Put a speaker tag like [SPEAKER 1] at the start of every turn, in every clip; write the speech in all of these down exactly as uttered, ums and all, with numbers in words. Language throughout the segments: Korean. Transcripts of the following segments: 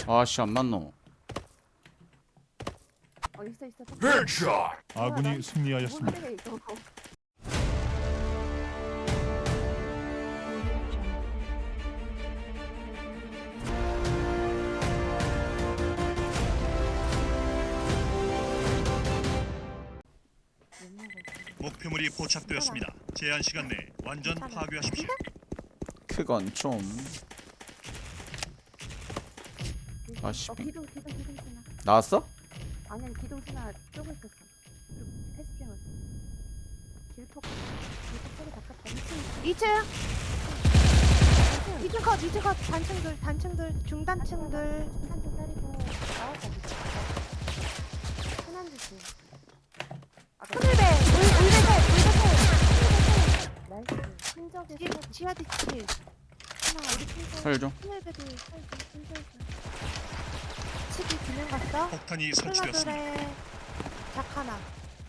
[SPEAKER 1] 아씨 안 맞노.
[SPEAKER 2] 어 있어 있어.
[SPEAKER 3] Headshot!
[SPEAKER 4] 아군이 승리하였습니다.
[SPEAKER 2] 뭔데 이거?
[SPEAKER 5] 목표물이 포착되었습니다. 제한 시간 내에 완전 파괴하십시오.
[SPEAKER 1] 그건 좀. 아씨
[SPEAKER 2] 어 기둥 기둥 기둥 스나.
[SPEAKER 1] 나왔어?
[SPEAKER 2] 아니 아니 기둥 스나 쪼고 있었어. 그리고 패스팅 왔어. 길폭 길폭 소리 바꿨다.
[SPEAKER 6] 이 층 이 층 컷, 이 층 컷, 단층들, 단층들, 중단층들.
[SPEAKER 2] 한층 때리고 나왔다. 흔한 듯이.
[SPEAKER 6] 하늘배, 울, 울배새, 울배새.
[SPEAKER 2] 나이스. 흔적이
[SPEAKER 6] 지- 지하 뒤치.
[SPEAKER 2] 하나 우리 흔적.
[SPEAKER 1] 설 좀.
[SPEAKER 6] 하늘배도
[SPEAKER 2] 흔적.
[SPEAKER 6] 치기 기능 갔어.
[SPEAKER 5] 폭탄이 설치되었습니다.
[SPEAKER 6] 콜라들의 작 하나.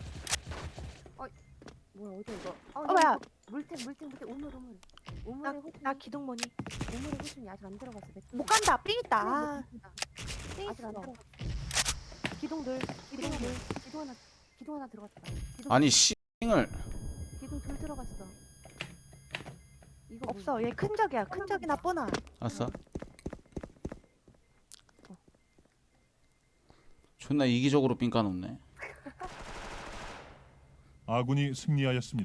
[SPEAKER 2] 뭐야 어디 이거?
[SPEAKER 6] 어, 뭐야?
[SPEAKER 2] 물탱 물탱 물탱 우물 우물.
[SPEAKER 6] 나,
[SPEAKER 2] 우물에 호순.
[SPEAKER 6] 나 기동모니.
[SPEAKER 2] 우물에 호순이 아직 안 들어갔어.
[SPEAKER 6] 못 간다. 삥 있다. 아, 삥
[SPEAKER 2] 아직 안
[SPEAKER 6] 있어.
[SPEAKER 2] 들어갔어.
[SPEAKER 6] 기동들,
[SPEAKER 2] 기둥 하나,
[SPEAKER 6] 기동들.
[SPEAKER 2] 기둥 하나, 기둥 하나 들어갔다. 기둥,
[SPEAKER 1] 아니 씨을
[SPEAKER 2] 기둥 둘 들어갔어. 이거
[SPEAKER 6] 없어. 얘 큰 적이야. 큰 적이나 뻔하.
[SPEAKER 1] 왔어? 존나 이기적으로 삥 까놓네.
[SPEAKER 4] 아군이 승리하였습니다.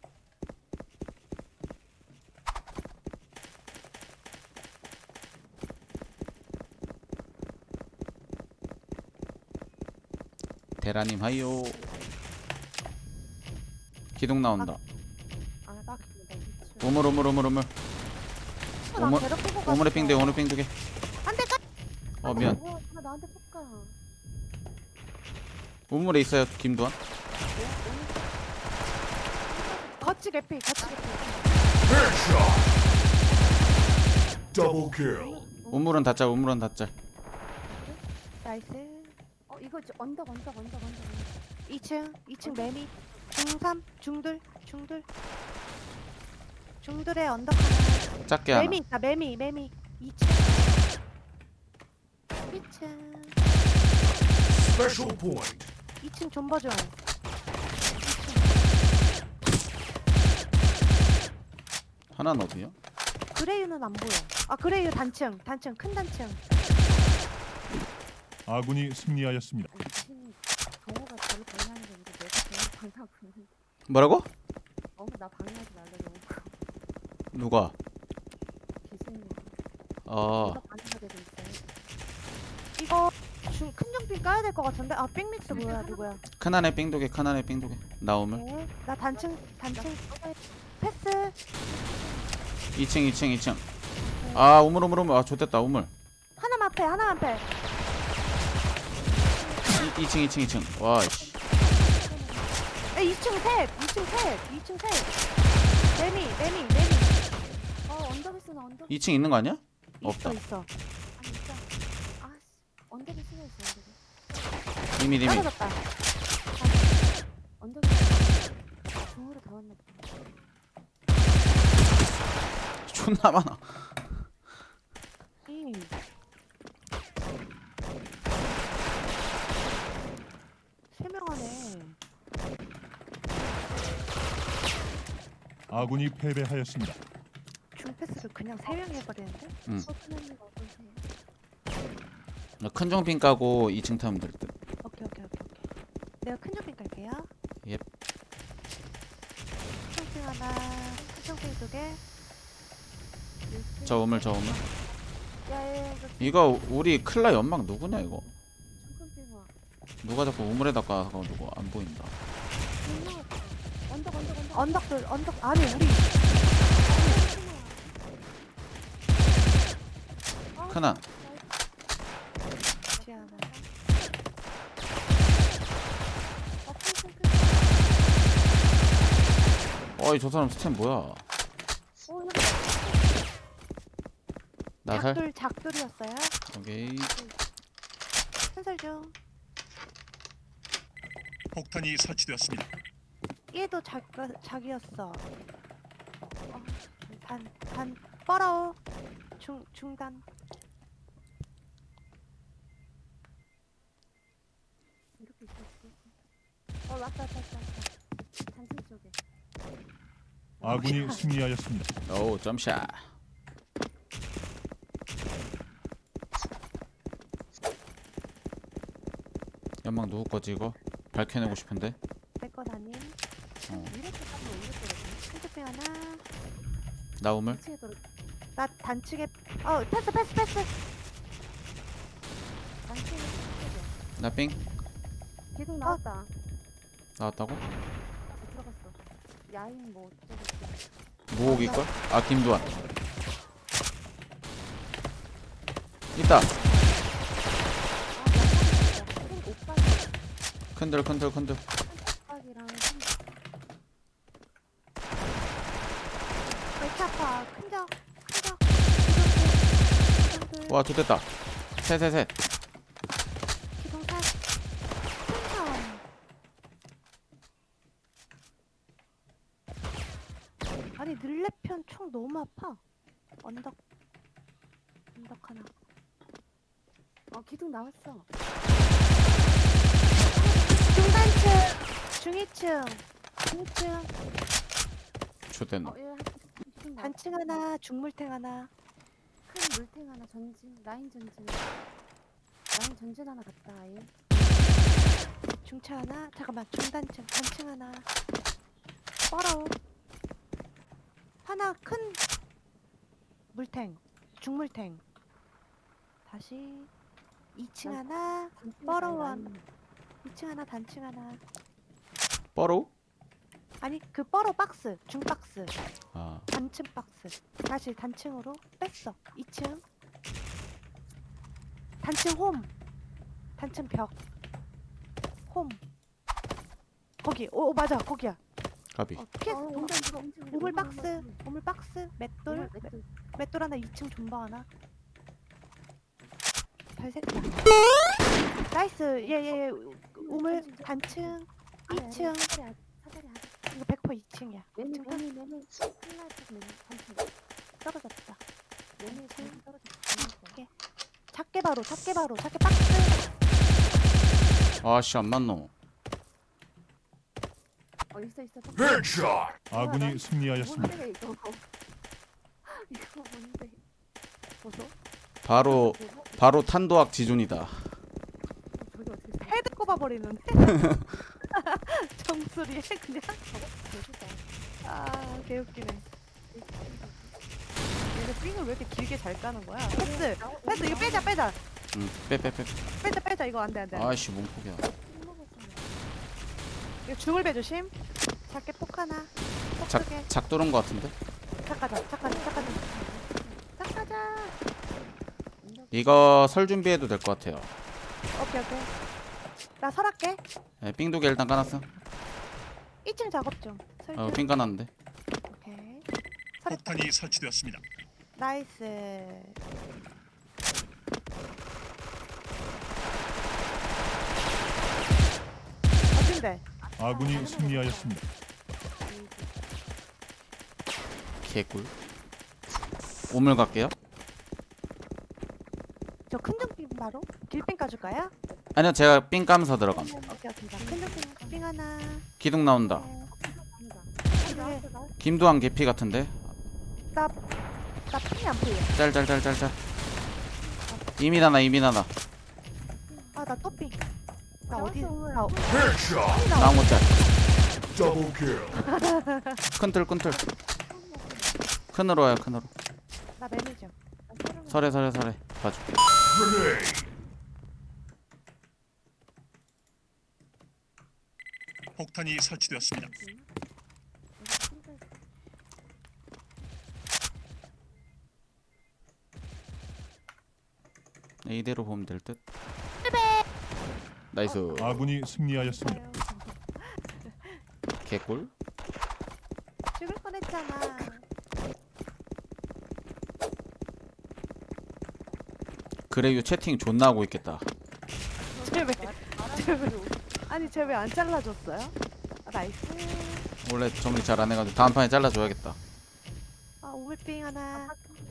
[SPEAKER 1] 대라님 하이요. 기둥 나온다.
[SPEAKER 2] 아, 나 기둥 나 미쳐.
[SPEAKER 1] 우물 우물 우물 우물.
[SPEAKER 6] 어, 나
[SPEAKER 1] 오물-
[SPEAKER 6] 괴롭히고 갔어.
[SPEAKER 1] 우물에 삥 두 개, 우물에 삥 두 개.
[SPEAKER 6] 안 돼, 까.
[SPEAKER 1] 어 미안.
[SPEAKER 2] 뭐, 나 나한테 볶아.
[SPEAKER 1] 우물에 있어요 김도환.
[SPEAKER 6] 거치 개피, 거치 개피.
[SPEAKER 3] Headshot! Double kill.
[SPEAKER 1] 우물은 닫자. 우물은 닫자.
[SPEAKER 6] 나이스.
[SPEAKER 2] 어, 이거 저 언덕, 언덕, 언덕, 언덕. 언덕.
[SPEAKER 6] 이 층, 이 층 매미. 중삼, 중들, 중들. 중들의 언덕 하나.
[SPEAKER 1] 작게 하나.
[SPEAKER 6] 매미 있다, 매미, 매미. 이 층. 이 층.
[SPEAKER 3] Special point.
[SPEAKER 6] 이 층 존버존.
[SPEAKER 1] 하나는 어디야?
[SPEAKER 6] 그레이유는 안 보여. 아, 그레이유 단층, 단층, 큰 단층.
[SPEAKER 4] 아군이 승리하였습니다.
[SPEAKER 2] 아니, 귀신이 정호가 저를 방해하는 게 아니고 내가 정호 방해하고 있는.
[SPEAKER 1] 뭐라고?
[SPEAKER 2] 어, 나 방해하지 말라고.
[SPEAKER 1] 누가?
[SPEAKER 2] 귀신이.
[SPEAKER 1] 어
[SPEAKER 2] 내가 방해가 되고 있어.
[SPEAKER 6] 이거 중, 큰 정핀 까야 될 것 같은데? 아, 빅믹스 뭐야, 누구야?
[SPEAKER 1] 큰안에 삥 두 개, 큰안에 삥 두 개. 나 우물.
[SPEAKER 6] 네. 나 단층, 단층.
[SPEAKER 2] 나
[SPEAKER 6] 패스.
[SPEAKER 1] 이 층, 이 층, 이 층. 아 우물 우물 우물. 아 좋댔다 우물.
[SPEAKER 6] 하나만 패, 하나만 패.
[SPEAKER 1] 이 층, 이 층, 이 층. 와 씨.
[SPEAKER 6] 에, 이 층 셋, 이 층 셋, 이 층 셋. 매미, 매미, 매미.
[SPEAKER 2] 어, 언덕에 쓰나 언덕.
[SPEAKER 1] 이 층 있는 거 아니야? 없다.
[SPEAKER 6] 있어, 있어.
[SPEAKER 2] 아니, 있다. 아, 씨. 언덕에 쓰나 있어, 언덕에.
[SPEAKER 1] 이미 이미.
[SPEAKER 6] 떨어졌다.
[SPEAKER 2] 언덕에. 중으로 다 왔나 보다.
[SPEAKER 1] 존나 많아.
[SPEAKER 6] 이. 세 명 하네.
[SPEAKER 4] 아군이 패배하였습니다.
[SPEAKER 6] 중패스를 그냥 세 명이 해버리는데?
[SPEAKER 2] 서투맨이가 어떠세요?
[SPEAKER 1] 큰 정핀 까고 이 층 타면 될 듯.
[SPEAKER 6] 오케이, 오케이, 오케이, 오케이. 내가 큰 점핑 갈게요.
[SPEAKER 1] 예.
[SPEAKER 6] 큰 점핑 하나, 큰 점핑 두 개.
[SPEAKER 1] 저 우물 저 우물.
[SPEAKER 2] 야야야 이거
[SPEAKER 1] 이거 우리 클라 연막 누구냐 이거?
[SPEAKER 2] 중간빙화
[SPEAKER 1] 누가 자꾸 우물에다가 가지고 안 보인다.
[SPEAKER 2] 언덕 언덕 언덕
[SPEAKER 6] 언덕들, 언덕, 아니, 우리.
[SPEAKER 1] 큰안.
[SPEAKER 6] 지하 하나.
[SPEAKER 1] 어이 저 사람 스템 뭐야? 나살?
[SPEAKER 6] 작들, 작들이었어요.
[SPEAKER 1] 오케이.
[SPEAKER 6] 한살 중.
[SPEAKER 5] 폭탄이 설치되었습니다.
[SPEAKER 6] 얘도 작, 작이었어. 어, 반, 반, 뻘어. 중, 중단.
[SPEAKER 2] 왔다 왔다 왔다 왔다. 단층 쪽에.
[SPEAKER 4] 아군이 승리하였습니다.
[SPEAKER 1] 오 점샷. 연막 누구 거지 이거? 밝혀내고 싶은데.
[SPEAKER 6] 내거 아님.
[SPEAKER 1] 어.
[SPEAKER 2] 이렇게 가면 이렇게
[SPEAKER 6] 핸드폰 하나.
[SPEAKER 1] 나 우물.
[SPEAKER 2] 이층에 떨어.
[SPEAKER 6] 나 단층에 어 패스 패스 패스.
[SPEAKER 2] 단층에 떨어져.
[SPEAKER 1] 나 삥.
[SPEAKER 2] 계속 나왔다.
[SPEAKER 1] 나왔다고?
[SPEAKER 2] 들어갔어. 야인 뭐 어쩌고.
[SPEAKER 1] 무옥일 걸? 아 김두한. 있다.
[SPEAKER 2] 아, 나 오빠
[SPEAKER 1] 큰들 큰들 큰들.
[SPEAKER 2] 오빠기랑
[SPEAKER 6] 왜 이렇게 아파? 큰적 큰적. 기둥들
[SPEAKER 1] 와 좋됐다. 셋셋셋.
[SPEAKER 6] 기둥살. 큰적. 아니 늘레편 총 너무 아파. 언덕 언덕 하나.
[SPEAKER 2] 어 기둥 나왔어.
[SPEAKER 6] 중단층 중이층 중이층
[SPEAKER 1] 좋됐노.
[SPEAKER 2] 어, 얘 기둥 나왔어.
[SPEAKER 6] 단층 하나 중물탱 하나.
[SPEAKER 2] 큰 물탱 하나 전진 라인 전진. 라인 전진 하나 갔다 아예.
[SPEAKER 6] 중차 하나. 잠깐만 중단층 단층 하나. 뻘어. 하나 큰 물탱 중물탱. 다시 이 층
[SPEAKER 2] 난-
[SPEAKER 6] 하나.
[SPEAKER 2] 단층에
[SPEAKER 6] 뻘어원.
[SPEAKER 2] 라인.
[SPEAKER 6] 이 층 하나 단층 하나.
[SPEAKER 1] 뻐로?
[SPEAKER 6] 아니 그 뻘어 박스 중박스
[SPEAKER 1] 아
[SPEAKER 6] 단층 박스. 다시 단층으로 뺐어. 이 층 단층 홈. 단층 벽. 홈. 거기. 오, 오 맞아 거기야.
[SPEAKER 1] 까비.
[SPEAKER 6] 어, 피해.
[SPEAKER 2] 어, 온다, 온다, 온다.
[SPEAKER 6] 우물
[SPEAKER 2] 온다,
[SPEAKER 6] 박스.
[SPEAKER 2] 온다.
[SPEAKER 6] 우물 박스. 맷돌.
[SPEAKER 2] 우물,
[SPEAKER 6] 맷-
[SPEAKER 2] 맷돌.
[SPEAKER 6] 맷돌 하나. 이 층 존버 하나. 별색이야. 나이스. 예예. 우물 단층.
[SPEAKER 2] 아니, 아니,
[SPEAKER 6] 이 층.
[SPEAKER 2] 사다리 아- 사다리 아-
[SPEAKER 6] 이거 백 퍼센트 이 층이야.
[SPEAKER 2] 매미
[SPEAKER 6] 지금
[SPEAKER 2] 매미 매미 클라스 매미 단층.
[SPEAKER 6] 떨어졌다.
[SPEAKER 2] 매미 지금 떨어졌어.
[SPEAKER 6] 작게 바로. 작게 바로. 작게 박스.
[SPEAKER 1] 아씨 안 맞노.
[SPEAKER 2] 어 있어 있어.
[SPEAKER 3] Headshot.
[SPEAKER 4] 아군이 승리하였습니다.
[SPEAKER 2] 뭔데 이거? 이거 뭔데? 보소?
[SPEAKER 1] 바로
[SPEAKER 2] 보소?
[SPEAKER 1] 바로 탄도학 지존이다.
[SPEAKER 2] 저기 어떻게 돼?
[SPEAKER 6] 헤드 꼽아버리는데. 정수리에 그냥.
[SPEAKER 2] 대수다.
[SPEAKER 6] 아 개웃기네. 얘네 삥을 왜 이렇게 길게 잘 까는 거야? 패스. 패스 이거 빼자 빼자.
[SPEAKER 1] 응빼빼 빼.
[SPEAKER 6] 빼자 빼자 이거 안돼 안돼.
[SPEAKER 1] 아씨 몸폭이야.
[SPEAKER 6] 이거 중을 빼조심. 작게 폭 하나. 폭
[SPEAKER 1] 작
[SPEAKER 6] 크게.
[SPEAKER 1] 작도른 거 같은데?
[SPEAKER 6] 작가자 작가자 작가자. 작가자.
[SPEAKER 1] 이거 설 준비해도 될 것 같아요.
[SPEAKER 6] 오케이 오케이. 나 설할게.
[SPEAKER 1] 네, 삥두개 일단 까놨어.
[SPEAKER 6] 이 층 작업 좀. 설정.
[SPEAKER 1] 어, 삥 까놨는데.
[SPEAKER 6] 오케이. 설했다.
[SPEAKER 5] 폭탄이 설치되었습니다.
[SPEAKER 6] 나이스. 어딘데?
[SPEAKER 4] 아군이 승리하였습니다.
[SPEAKER 1] 개꿀. 우물 갈게요.
[SPEAKER 6] 저 큰정빙 바로? 길빙 까줄까요?
[SPEAKER 1] 아니요 제가 삥 까면서 들어감.
[SPEAKER 6] 오케이 오케이. 자, 큰정빙 빙 하나.
[SPEAKER 1] 기둥 나온다.
[SPEAKER 6] 그래.
[SPEAKER 1] 김두한 개피 같은데.
[SPEAKER 6] 나, 나 핑이 안 보여.
[SPEAKER 1] 짤짤짤짤짤. 이민 하나 이민 하나.
[SPEAKER 6] 아, 나 또 핑. 나
[SPEAKER 2] 나왔어,
[SPEAKER 6] 어디?
[SPEAKER 2] 오늘.
[SPEAKER 6] 나 어-
[SPEAKER 3] Headshot.
[SPEAKER 1] 나온 거 짤.
[SPEAKER 3] Double kill.
[SPEAKER 1] 큰틀 큰틀. 큰으로 와요 큰으로.
[SPEAKER 6] 나 매니저.
[SPEAKER 1] 설해 설해 설해. 봐줄게.
[SPEAKER 3] Grenade.
[SPEAKER 5] 폭탄이 설치되었습니다.
[SPEAKER 1] 네, 이대로 보면 될 듯. 나이스.
[SPEAKER 4] 아군이 승리하였습니다.
[SPEAKER 1] 개꿀.
[SPEAKER 6] 죽을 뻔했잖아.
[SPEAKER 1] 그래요 채팅 존나 하고 있겠다.
[SPEAKER 6] 쟤 왜? 쟤 왜? 아니 쟤 왜 안 잘라줬어요? 아, 나이스.
[SPEAKER 1] 원래 정리 잘 안 해가지고 다음 판에 잘라줘야겠다.
[SPEAKER 6] 아 우물빙 하나.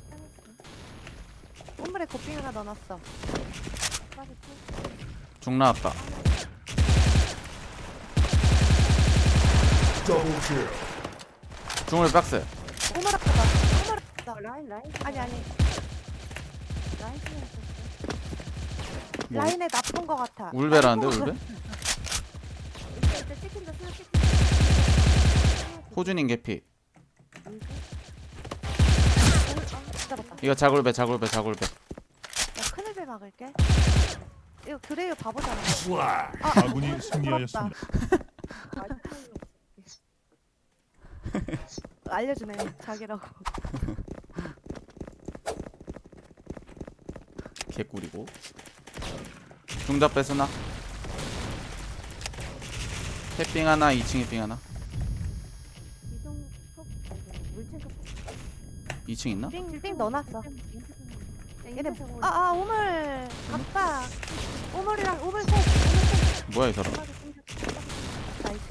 [SPEAKER 6] 우물에 곱빙 하나 넣어놨어.
[SPEAKER 1] 중 나왔다.
[SPEAKER 3] Double kill.
[SPEAKER 1] 중물 박스.
[SPEAKER 6] 오마라크다. 오마라크다.
[SPEAKER 2] 어, 라인 라인.
[SPEAKER 6] 아니 아니.
[SPEAKER 2] 라인 신경 썼어.
[SPEAKER 1] 뭐,
[SPEAKER 6] 라인에 나쁜 거 같아.
[SPEAKER 1] 울베라는데
[SPEAKER 6] 아이고.
[SPEAKER 1] 울베?
[SPEAKER 2] 이제 이제 찍힌다 쓰나 찍힌다.
[SPEAKER 1] 호준인 개피.
[SPEAKER 6] 잡았다.
[SPEAKER 1] 이거 자굴배 자굴배 자굴배.
[SPEAKER 6] 나 큰일배 막을게. 이거 그래요 바보잖아.
[SPEAKER 3] Flag.
[SPEAKER 4] 아군이 승리하였습니다.
[SPEAKER 6] 알려주네 자기라고.
[SPEAKER 1] 개꿀이고. 중잡 뺏으나? 탭빙 하나, 이 층에 빙 하나.
[SPEAKER 2] 이동 폭 아이고, 물체가 폭.
[SPEAKER 1] 이 층 있나?
[SPEAKER 6] 띵띵 넣어놨어.
[SPEAKER 2] 얘네
[SPEAKER 6] 얘네 아아 오물 갔다. 오물이랑 오물 셋. 오물 셋.
[SPEAKER 1] 뭐야 이 사람?
[SPEAKER 6] 나이스.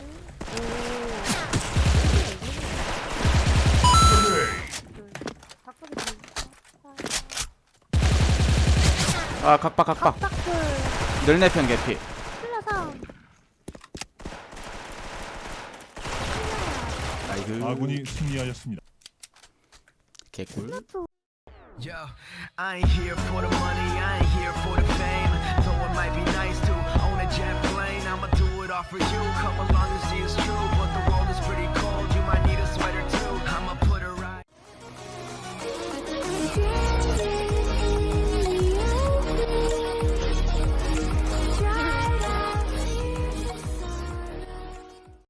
[SPEAKER 3] Grenade.
[SPEAKER 1] 아 각박 각박.
[SPEAKER 6] 각박풀.
[SPEAKER 1] 늘내편 개피.
[SPEAKER 6] 플라상.
[SPEAKER 1] 나이스.
[SPEAKER 4] 아군이 승리하였습니다.
[SPEAKER 1] 개꿀.
[SPEAKER 7] Yo, I ain't here for the money, I ain't here for the fame. Though it might be nice to own a jet plane, I'ma do it all for you. Come along and see it's true, but the world is pretty cold.